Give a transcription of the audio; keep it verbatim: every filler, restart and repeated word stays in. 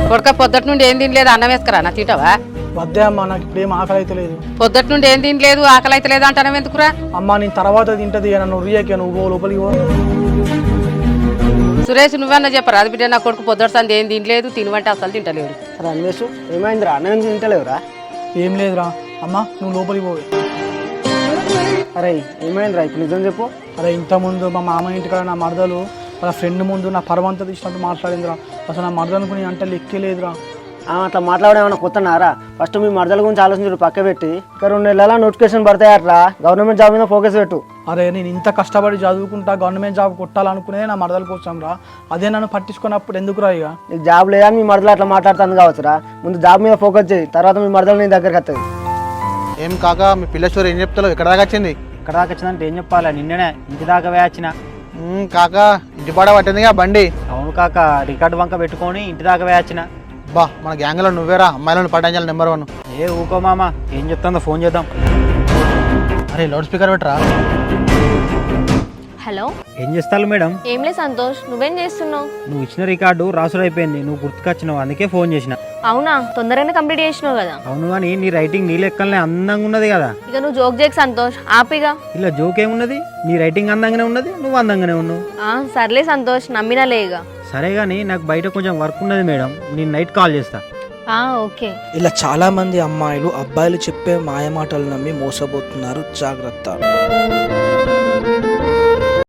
కొడుక పొద్దుటి నుండి ఏం తినలేదు అన్నం వేసుకురా నా తింటావా? వద్దే అమ్మా, నాకు ఇప్పుడు ఏం ఆకలి అయితే లేదు. పొద్దుటి నుండి ఏం తినలేదు ఆకలి అయితే లేదు అంటానం ఎందుకురా? అమ్మా నేను తర్వాత తింటది నన్ను రియకి నువ్వు లోపలికి పో. సురేష్ నువ్వన్నా చెప్పరా అది బిడ్డ నా కొడుకు పొద్దుటి సంది ఏం తినలేదు, తినవంటే అసలు తింటలేడు. రమేష్ ఏమైందిరా? అన్నం తింటలేవురా? ఏం లేదురా అమ్మా, నువ్వు లోపలికి పోయి. అరే ఏమైందిరా ఇప్పుడు నిజం చెప్పు. అరే ఇంతకుముందు మా మామ ఇంటికాడ నా మరదలు వాళ్ళ ఫ్రెండ్ ముందు నా పరవంతా తీసినట్టు మాట్లాడిందిరా. అసలు నా మరదలకు నీ అంటే లెక్కేలేదురా. అట్లా మాట్లాడడం ఏమన్నా కొత్తనారా? ఫస్ట్ మీ మరదల గురించి ఆలోచించు, పక్క పెట్టి ఇంకా రెండు నెలల నోటిఫికేషన్ పడతాయి అట్లా గవర్నమెంట్ జాబ్ మీద ఫోకస్ పెట్టు. అరే నేను ఇంత కష్టపడి చదువుకుంటా గవర్నమెంట్ జాబ్ కొట్టాలనుకునే నా మరదల కోసం రా. అదే నన్ను పట్టించుకున్నప్పుడు ఎందుకురా ఇక? నీకు జాబ్ లేదా మీ మరదలు అట్లా మాట్లాడుతుంది కావచ్చురా. ముందు జాబ్ మీద ఫోకస్ చేయి, తర్వాత మీ మరదలు నీ దగ్గరికి వస్తుంది. ఏం కాక మీ పిల్ల స్టోరీ ఏం చెప్తావు? ఎక్కడ దాకా వచ్చింది? ఇక్కడ దాకా వచ్చిందంటే ఏం చెప్పాలి, నిన్ననే ఇంటి దాకా వేయచ్చిన. కాక ఇంటి పాడ పట్టిందిగా బండి. అవును కాక, రికార్డు వంక పెట్టుకొని ఇంటి దాకా వేయచ్చిన. బా మన గ్యాంగ్లో నువ్వేరా అమ్మాయిలను పట్టించాలి నెంబర్ వన్. ఏ ఊకో మామ, ఏం చెప్తుందో ఫోన్ చేద్దాం. అరే లౌడ్ స్పీకర్ పెట్టరా. హలో, ఏం చేస్తావు మేడం? ఏంలే సంతోష్, నువ్వేం చేస్తున్నావు? నువ్వు ఇచ్చిన రికార్డు రాసుడు అయిపోయింది, నువ్వు గుర్తుకొచ్చినావు, అందుకే ఫోన్ చేసిన. అవునా, తొందరగానే కంప్లీట్ చేసినావు కదా. అవును కానీ నీ రైటింగ్ నీ లెక్కలనే అందంగా ఉన్నది కదా. ఇక నువ్వు జోక్ చేయకు సంతోష్, ఆపిగా. ఇలా జోక్ ఏమున్నది, నీ రైటింగ్ అందంగానే ఉన్నది, నువ్వు అందంగానే ఉన్నావు. ఆ సర్లే సంతోష్, నమ్మినా లేగా. సరే కానీ నాకు బయట కొంచెం వర్క్ ఉన్నది మేడం, నేను నైట్ కాల్ చేస్తా. ఆ ఓకే. ఇలా చాలా మంది అమ్మాయిలు అబ్బాయిలు చెప్పే మాయమాటలు నమ్మి మోసపోతున్నారు, జాగ్రత్త.